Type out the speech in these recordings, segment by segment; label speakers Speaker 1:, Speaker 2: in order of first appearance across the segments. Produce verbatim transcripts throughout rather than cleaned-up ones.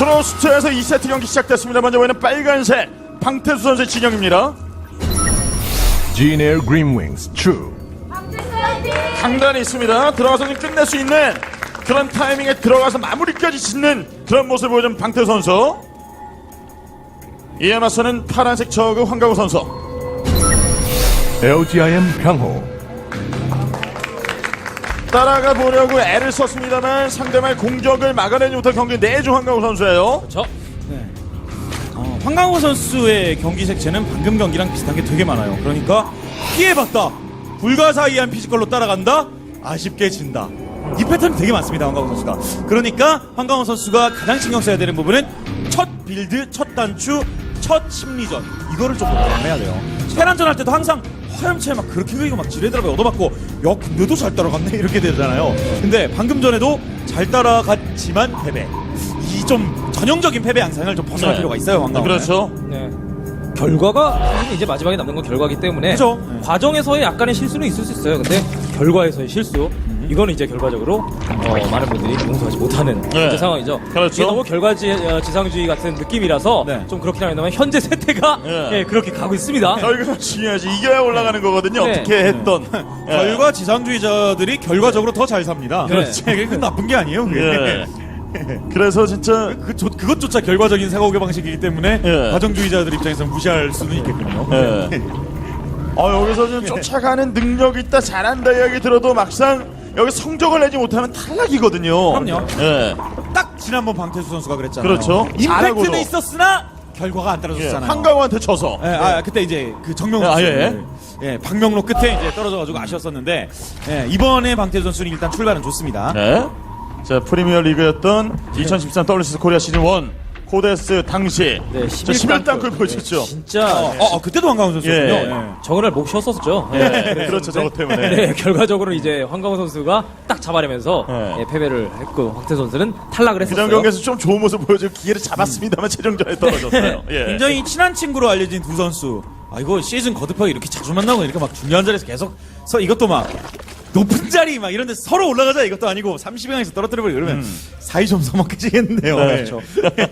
Speaker 1: 프로스트에서 이 세트 경기 시작됐습니다. 먼저 보이는 빨간색 방태수 선수의 진영입니다.
Speaker 2: G-Air Green Wings True.
Speaker 1: 강단이 있습니다. 들어가서 좀 끝낼 수 있는 그런 타이밍에 들어가서 마무리까지 짓는 그런 모습을 보여준 방태수 선수. 이에 맞서는 파란색 저그 황가우 선수.
Speaker 2: 엘지아이엠 강호.
Speaker 1: 따라가 보려고 애를 썼습니다만 상대방의 공격을 막아내지 못한 경기 내주 황가우 선수예요.
Speaker 3: 그렇죠. 네. 어, 황강호 선수의 경기 색채는 방금 경기랑 비슷한 게 되게 많아요. 그러니까 피해봤다, 불가사의한 피지컬로 따라간다, 아쉽게 진다. 이 패턴이 되게 많습니다, 황강호 선수가. 그러니까 황강호 선수가 가장 신경 써야 되는 부분은 첫 빌드, 첫 단추, 첫 심리전, 이거를 좀 해야 돼요. 테란전 할 때도 항상 화염차에 막 그렇게 그리고 막 지뢰드랍에 얻어맞고 야 근데도 잘 따라갔네 이렇게 되잖아요. 근데 방금 전에도 잘 따라갔지만 패배, 이 좀 전형적인 패배 양상을 좀 벗어날
Speaker 1: 네.
Speaker 3: 필요가 있어요, 황강호.
Speaker 1: 그렇죠.
Speaker 4: 네. 결과가 사실 이제 마지막에 남는 건 결과이기 때문에
Speaker 3: 그죠. 네.
Speaker 4: 과정에서의 약간의 실수는 있을 수 있어요. 근데 결과에서의 실수 이거는 이제 결과적으로 어, 많은 분들이 용서하지 못하는
Speaker 1: 네.
Speaker 4: 이제 상황이죠.
Speaker 1: 그렇죠.
Speaker 4: 이게 너무 결과지상주의 같은 느낌이라서
Speaker 3: 네.
Speaker 4: 좀 그렇긴 합니다만 현재 세태가
Speaker 1: 네.
Speaker 4: 예, 그렇게 가고 있습니다.
Speaker 1: 결과가 중요하지. 이겨야 올라가는 거거든요.
Speaker 4: 네.
Speaker 1: 어떻게 했던. 예.
Speaker 3: 결과 지상주의자들이 결과적으로 더 잘 삽니다.
Speaker 4: 그렇지.
Speaker 3: 네. 그게 나쁜 게 아니에요, 그게.
Speaker 1: 예. 그래서 진짜
Speaker 3: 그, 조, 그것조차 결과적인 사고의 방식이기 때문에
Speaker 1: 예.
Speaker 3: 과정주의자들 입장에서 무시할 수는 있겠군요.
Speaker 1: 예. 어, 여기서 좀 쫓아가는 능력 있다, 잘한다 이야기 들어도 막상 여기 성적을 내지 못하면 탈락이거든요.
Speaker 3: 그럼요.
Speaker 1: 예.
Speaker 3: 딱 지난번 방태수 선수가 그랬잖아요.
Speaker 1: 그렇죠. 잘하고도.
Speaker 3: 임팩트는 있었으나 결과가 안
Speaker 1: 예.
Speaker 3: 따라줬잖아요.
Speaker 1: 한강호한테 져서.
Speaker 3: 예, 아, 그때 이제 그 정명록
Speaker 1: 아,
Speaker 3: 선수,
Speaker 1: 예.
Speaker 3: 예, 박명록 끝에 이제 떨어져가지고 아쉬웠었는데, 예, 이번에 방태수 선수는 일단 출발은 좋습니다.
Speaker 1: 네. 자, 프리미어 리그였던 이천십삼 더블유씨씨 코리아 시즌 일 코데스 당시
Speaker 4: 네,
Speaker 1: 자, 십일 단골 보여줬죠.
Speaker 4: 진짜
Speaker 3: 어, 어, 어, 그때도 황강훈 선수였군요.
Speaker 1: 예.
Speaker 3: 예.
Speaker 4: 저거를 목 쉬었었죠.
Speaker 1: 예. 그렇죠. 저것 때문에.
Speaker 4: 네, 결과적으로 이제 황강호 선수가 딱 잡아내면서
Speaker 1: 네.
Speaker 4: 예, 패배를 했고 황태 선수는 탈락을
Speaker 1: 그
Speaker 4: 했었어요.
Speaker 1: 전 경기에서 좀 좋은 모습 보여줄 기회를 잡았습니다만 최종전에 떨어졌어요. 예.
Speaker 3: 굉장히 친한 친구로 알려진 두 선수. 아, 이거 시즌 거듭하게 이렇게 자주 만나고 이렇게 막 중요한 자리에서 계속 서 이것도 막 높은 자리 막 이런 데 서로 올라가자 이것도 아니고 삼십 강에서 떨어뜨려버리고 이러면
Speaker 1: 음.
Speaker 3: 사이 좀 서먹해지겠네요.
Speaker 1: 네.
Speaker 3: 그렇죠.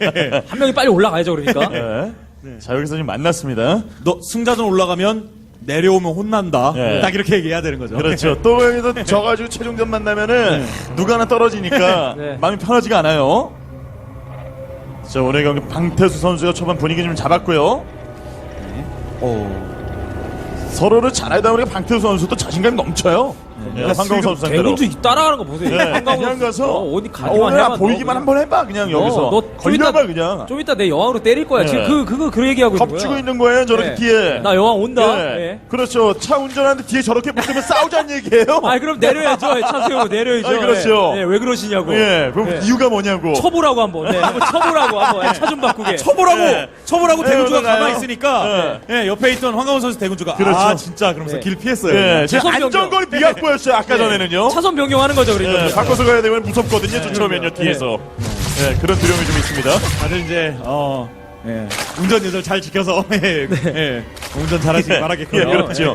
Speaker 4: 한 명이 빨리 올라가야죠, 그러니까.
Speaker 1: 예. 자, 여기서 지금 만났습니다.
Speaker 3: 너 승자전 올라가면 내려오면 혼난다.
Speaker 1: 네.
Speaker 3: 딱 이렇게 얘기해야 되는 거죠.
Speaker 1: 그렇죠. 또 여기서 져가지고 최종전 만나면은 누가 하나 떨어지니까
Speaker 4: 네.
Speaker 1: 마음이 편하지가 않아요. 자, 오늘 경기 방태수 선수가 초반 분위기 좀 잡았고요.
Speaker 3: 어.
Speaker 1: 서로를 잘 알다 보니까 방태수 선수도 자신감이 넘쳐요. 예, 황강호 선수 상대로.
Speaker 4: 대군주 따라가는 거 보세요.
Speaker 1: 예,
Speaker 4: 황강호
Speaker 1: 그냥
Speaker 4: 선수.
Speaker 1: 가서
Speaker 4: 어, 어디
Speaker 1: 아,
Speaker 4: 가기만
Speaker 1: 오늘
Speaker 4: 해봐.
Speaker 1: 보이기만
Speaker 4: 너
Speaker 1: 한번 해봐 그냥
Speaker 4: 어,
Speaker 1: 여기서
Speaker 4: 너 좀
Speaker 1: 걸려봐
Speaker 4: 이따-
Speaker 1: 그냥
Speaker 4: 좀 이따 내 여왕으로 때릴 거야.
Speaker 1: 예.
Speaker 4: 지금 그 그거 그 얘기하고 있는 거야.
Speaker 1: 겁주고 있는 거예요 저렇게
Speaker 4: 네.
Speaker 1: 뒤에.
Speaker 4: 나 여왕 온다.
Speaker 1: 예.
Speaker 4: 예.
Speaker 1: 그렇죠. 차 운전하는데 뒤에 저렇게 붙으면 싸우자는 얘기예요.
Speaker 4: 아, 그럼 내려야죠. 차 세우고 내려야죠.
Speaker 1: 아니, 그렇죠.
Speaker 4: 예, 예, 왜 그러시냐고.
Speaker 1: 예, 그럼
Speaker 4: 예.
Speaker 1: 이유가 뭐냐고.
Speaker 4: 쳐보라고 한번. 네, 한번 쳐보라고 한번. 차 좀 바꾸게.
Speaker 3: 쳐보라고
Speaker 1: 예.
Speaker 3: 쳐보라고
Speaker 1: 네,
Speaker 3: 대군주가
Speaker 1: 오늘
Speaker 3: 가만히
Speaker 1: 가요.
Speaker 3: 있으니까 예, 옆에 있던 황강훈 선수 대군주가
Speaker 1: 그렇죠.
Speaker 3: 아 진짜 그러면서
Speaker 4: 네.
Speaker 3: 길 피했어요.
Speaker 1: 예, 지금
Speaker 4: 차선
Speaker 1: 안전거리 비약보였어요 아까 전에는요.
Speaker 4: 차선 변경하는 거죠, 그러니까.
Speaker 1: 예, 바꿔서 가야 되면 무섭거든요. 쫓아오면요 뒤에서. 예, 그런 두려움이 좀 있습니다.
Speaker 3: 다들 이제 어 예, 운전 예절 잘 지켜서 예, 예, 운전 잘하시기
Speaker 1: 예,
Speaker 3: 바라겠고요.
Speaker 1: 예, 그렇죠.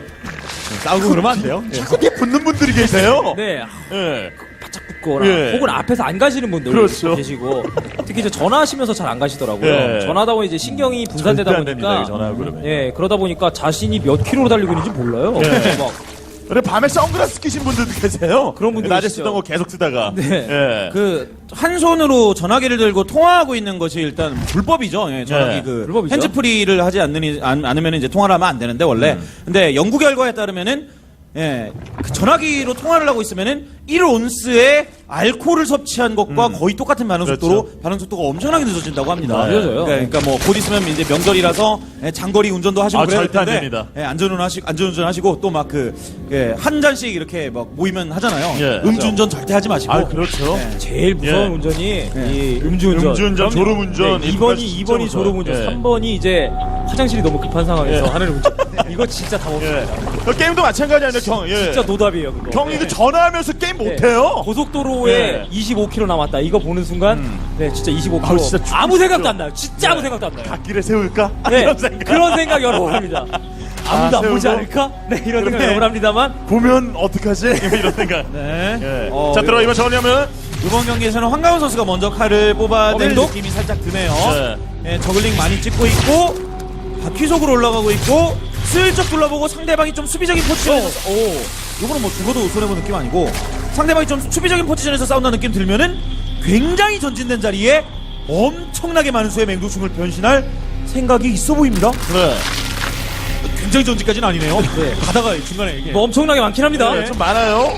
Speaker 3: 싸우고 그러면 안 돼요. 예.
Speaker 1: 자꾸 뒤에 붙는 분들이 계세요.
Speaker 4: 네,
Speaker 1: 예.
Speaker 4: 바짝 붙거나
Speaker 1: 예.
Speaker 4: 혹은 앞에서 안 가시는 분들
Speaker 1: 그렇죠.
Speaker 4: 계시고 특히 이제 전화하시면서 잘 안 가시더라고요.
Speaker 1: 예.
Speaker 4: 전화하다 보면 이제 신경이 분산되다
Speaker 1: 절대 안 됩니다,
Speaker 4: 보니까
Speaker 1: 이거 전화하고 그러면.
Speaker 4: 예, 그러다 보니까 자신이 몇 킬로로 달리고 있는지 몰라요.
Speaker 1: 예.
Speaker 4: 막
Speaker 1: 그래 밤에 선글라스 끼신 분들도 계세요.
Speaker 4: 그런 분들
Speaker 1: 낮에
Speaker 4: 계시죠.
Speaker 1: 쓰던 거 계속 쓰다가.
Speaker 4: 네.
Speaker 1: 예.
Speaker 3: 그 한 손으로 전화기를 들고 통화하고 있는 것이 일단 불법이죠. 예, 전화기
Speaker 1: 네.
Speaker 3: 그
Speaker 4: 불법이죠.
Speaker 3: 핸즈프리를 하지 않는 안, 않으면 이제 통화를 하면 안 되는데 원래.
Speaker 1: 음.
Speaker 3: 근데 연구 결과에 따르면은 예, 그 전화기로 통화를 하고 있으면은 일 온스의 알코올을 섭취한 것과 거의 똑같은 반응 속도로
Speaker 1: 그렇죠.
Speaker 3: 반응 속도가 엄청나게 늦어진다고 합니다.
Speaker 4: 아, 늦어져요.
Speaker 3: 그러니까, 그러니까 뭐 곧 있으면 이제 명절이라서 예, 장거리 운전도 하시고
Speaker 1: 아,
Speaker 3: 그래야
Speaker 1: 절대 안
Speaker 3: 텐데
Speaker 1: 됩니다.
Speaker 3: 예, 안전운전 하시고 안전운전 하시고 또 막 그 한 잔씩 이렇게 막 모이면 하잖아요.
Speaker 1: 예.
Speaker 3: 음주운전 절대 하지 마시고.
Speaker 1: 아, 그렇죠.
Speaker 3: 예.
Speaker 4: 제일 무서운
Speaker 1: 예.
Speaker 4: 운전이 이 음주운전.
Speaker 1: 음주운전,
Speaker 4: 그럼요.
Speaker 1: 졸음운전,
Speaker 4: 네,
Speaker 1: 이거
Speaker 4: 이 번이
Speaker 1: 진짜
Speaker 4: 이 번이
Speaker 1: 무서워요.
Speaker 4: 졸음운전,
Speaker 1: 예.
Speaker 4: 삼 번이 이제 화장실이 너무 급한 상황에서
Speaker 1: 예.
Speaker 4: 하는 운전. 이거 진짜 다 없습니다.
Speaker 1: 예. 그 게임도 마찬가지 아니에요, 경. 예.
Speaker 4: 진짜 노답이에요, 그거.
Speaker 1: 경 이거
Speaker 4: 네.
Speaker 1: 전화하면서 게임
Speaker 4: 네.
Speaker 1: 못해요.
Speaker 4: 고속도로에
Speaker 1: 예.
Speaker 4: 이십오 킬로미터 남았다. 이거 보는 순간, 네, 진짜 이십오 킬로미터.
Speaker 1: 아우, 진짜
Speaker 4: 아무
Speaker 1: 죽으시죠.
Speaker 4: 생각도 안 나요. 진짜 아무 생각도 안 나요.
Speaker 1: 갓길에 세울까?
Speaker 4: 네,
Speaker 1: 이런 생각.
Speaker 4: 그런 생각 여러 번 합니다. 아무도
Speaker 1: 아,
Speaker 4: 안 보지
Speaker 1: 세우고?
Speaker 4: 않을까? 네, 이런 생각
Speaker 1: 그래.
Speaker 4: 여러 번 합니다만.
Speaker 1: 보면 어떡하지? 이런 생각.
Speaker 3: 네.
Speaker 1: 예.
Speaker 3: 어,
Speaker 1: 자, 들어 이번 정리하면
Speaker 3: 이번 경기에서는 황가훈 선수가 먼저 칼을 뽑아야
Speaker 4: 어,
Speaker 3: 될
Speaker 4: 맹독?
Speaker 3: 느낌이 살짝 드네요.
Speaker 1: 네.
Speaker 3: 예, 저글링 많이 찍고 있고 바퀴속으로 올라가고 있고 슬쩍 둘러보고 상대방이 좀 수비적인 포지션에서 오, 이거는 뭐 죽어도 손해보는 느낌 아니고 상대방이 좀 수비적인 포지션에서 싸운다는 느낌 들면은 굉장히 전진된 자리에 엄청나게 많은 수의 맹독충을 변신할 생각이 있어 보입니다.
Speaker 1: 네.
Speaker 3: 굉장히 전진까지는 아니네요.
Speaker 4: 네.
Speaker 3: 가다가 중간에 이게
Speaker 4: 뭐 엄청나게 많긴 합니다.
Speaker 1: 네, 좀 많아요.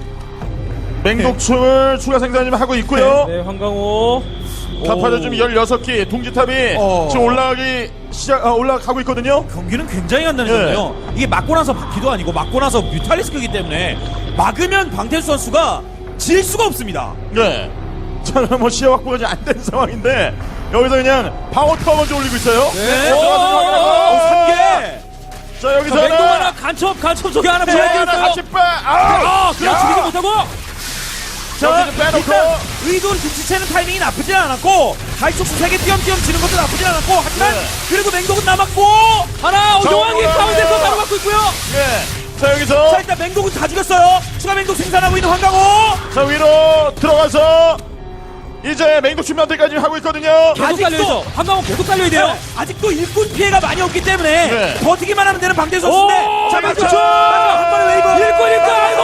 Speaker 1: 맹독충을 추가 생산 좀 하고 있고요.
Speaker 4: 네, 황강호.
Speaker 1: 가파도 좀 열여섯 개 둥지탑이
Speaker 3: 어.
Speaker 1: 지금 올라가기 시작 아, 올라가고 있거든요.
Speaker 3: 경기는 굉장히 간단해졌네요. 이게 맞고 나서 바퀴도 아니고 맞고 나서 뮤탈리스크이기 때문에 막으면 방태수 선수가 질 수가 없습니다.
Speaker 1: 네. 저는 뭐 시야 확보가 안 된 상황인데 여기서 그냥 방어 타워 먼저 올리고 있어요.
Speaker 4: 네.
Speaker 1: 오, 들어가서
Speaker 3: 오,
Speaker 1: 확인하고.
Speaker 3: 한 개.
Speaker 1: 자 여기서
Speaker 4: 자, 맹독
Speaker 1: 하나,
Speaker 4: 하나 간첩, 간첩 저기 하나
Speaker 1: 네,
Speaker 4: 보여드렸어요.
Speaker 1: 하나 같이 빼. 아,
Speaker 4: 아, 그냥 죽이지 못하고.
Speaker 3: 자,
Speaker 1: 여기서 빼놓고.
Speaker 3: 일단 의도를 눈치채는 타이밍이 나쁘진 않았고 가이촉수 세 개 띄엄띄엄 지는 것도 나쁘진 않았고 하지만
Speaker 1: 네.
Speaker 3: 그래도 맹독은 남았고
Speaker 4: 하나, 오정환이
Speaker 1: 자,
Speaker 4: 가운데서
Speaker 1: 네.
Speaker 4: 바로 맞고 있고요.
Speaker 1: 네. 자 여기서
Speaker 3: 자 일단 맹독은 다 죽였어요. 추가 맹독 생산하고 있는 황강호.
Speaker 1: 자 위로 들어가서 이제 맹독 준비한테까지 하고 있거든요.
Speaker 4: 계속
Speaker 3: 아직도-
Speaker 4: 달려야죠. 황강호 계속 달려야 돼요.
Speaker 3: 네, 아직도 일꾼 피해가 많이 없기 때문에
Speaker 1: 네.
Speaker 3: 버티기만 하면 되는 방태 선수인데
Speaker 4: 오,
Speaker 3: 자
Speaker 1: 그렇죠.
Speaker 3: 맞죠? 한 번에 웨이버
Speaker 4: 일꾼, 일꾼, 아이고,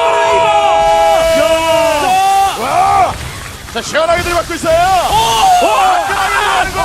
Speaker 1: 야. 와. 자 시원하게 들이받고 있어요. 화끈하게 들이받고.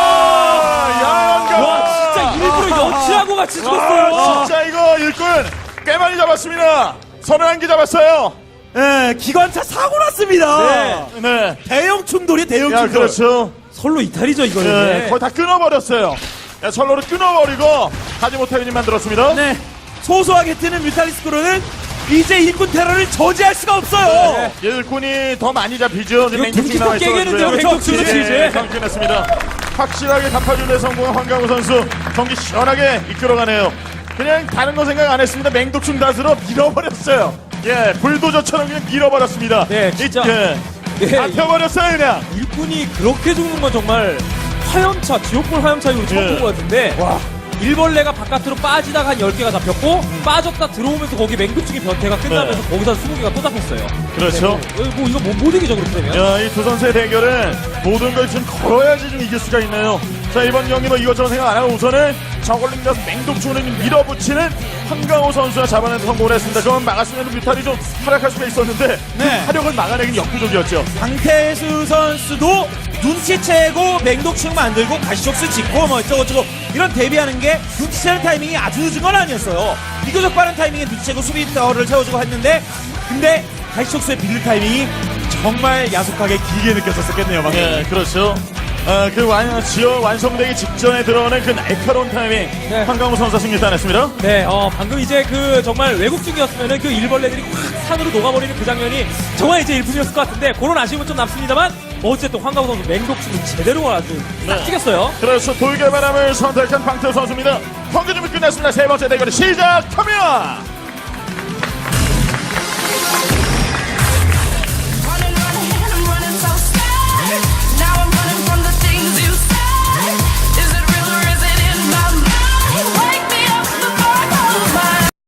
Speaker 1: 야,
Speaker 4: 와, 진짜 일부러 여치하고 같이
Speaker 1: 와,
Speaker 4: 죽었어요.
Speaker 1: 진짜 이거 일꾼 꽤 많이 잡았습니다. 서른 한 개 잡았어요.
Speaker 3: 예, 기관차 사고 났습니다.
Speaker 4: 네.
Speaker 1: 네.
Speaker 3: 대형 충돌이 대형
Speaker 1: 야,
Speaker 3: 충돌.
Speaker 1: 그렇죠.
Speaker 4: 설로 이탈이죠,
Speaker 1: 네,
Speaker 4: 이거는.
Speaker 1: 거의 다 끊어버렸어요. 야, 철로를 끊어버리고 가지 못하게 만들었습니다.
Speaker 3: 네. 소소하게 뜨는 뮤탈리스크로는 이제 일꾼 테러를 저지할 수가 없어요.
Speaker 4: 네.
Speaker 1: 일꾼이 더 많이 잡히죠.
Speaker 4: 이거 둥지탑 깨겠는데요, 맹독충은 이제.
Speaker 1: 상승했습니다. 확실하게 갚아주는 성공한 황강호 선수 경기 시원하게 이끌어가네요. 그냥 다른 거 생각 안 했습니다. 맹독충 닷으로 밀어버렸어요. 예, 불도저처럼 그냥 밀어버렸습니다.
Speaker 4: 네, 진짜.
Speaker 1: 예,
Speaker 4: 네.
Speaker 1: 잡혀버렸어요 그냥.
Speaker 4: 일꾼이 그렇게 죽는 건 정말 화염차, 지옥불 화염차로 처음
Speaker 1: 예.
Speaker 4: 본 것 같은데. 와. 일벌레가 바깥으로 빠지다가 한 열 개가 잡혔고 빠졌다 들어오면서 거기 맹독충이 변태가 끝나면서
Speaker 1: 네.
Speaker 4: 거기서 스무 개가 또 잡혔어요.
Speaker 1: 그렇죠.
Speaker 4: 네, 뭐 이거 못, 못 이기죠 그렇게 되면.
Speaker 1: 야, 이 두 선수의 대결은 모든 걸 좀 걸어야지 좀 이길 수가 있네요. 자, 이번 경기 뭐 이것저것 생각 안 하고 우선은 저걸링 가서 맹독충을 밀어붙이는 황강호 선수가 잡아내는 성공을 했습니다. 그건 막았으면 뮤탈이 좀 활약할 수가 있었는데 그
Speaker 3: 네.
Speaker 1: 화력을 막아내긴 역부족이었죠.
Speaker 3: 방태수 선수도 눈치채고 맹독충 만들고 가시촉수 짓고 뭐 어쩌고저쩌고 이런 대비하는 게 눈치채는 타이밍이 아주 늦은 건 아니었어요. 비교적 빠른 타이밍에 눈치채고 수비 타워를 채워주고 했는데 근데 가시촉수의 빌드 타이밍이 정말 야속하게 길게 느껴졌었겠네요. 방금.
Speaker 1: 네, 그렇죠. 아, 그 완, 지어 완성되기 직전에 들어오는 그 날카로운 타이밍.
Speaker 4: 네.
Speaker 1: 황강호 선수가 승리 따냈습니다.
Speaker 4: 네, 어, 방금 이제 그 정말 외국중이었으면은 그 일벌레들이 확 산으로 녹아버리는 그 장면이 정말 이제 일품이었을 것 같은데 그런 아쉬움은 좀 남습니다만 어쨌든 황강호 선수 맹독충은 제대로 아주 딱
Speaker 1: 네.
Speaker 4: 찍었어요.
Speaker 1: 그래서 돌개바람을 선택한 방태 선수입니다. 경기 준비 끝났습니다. 세 번째 대결이 시작합니다.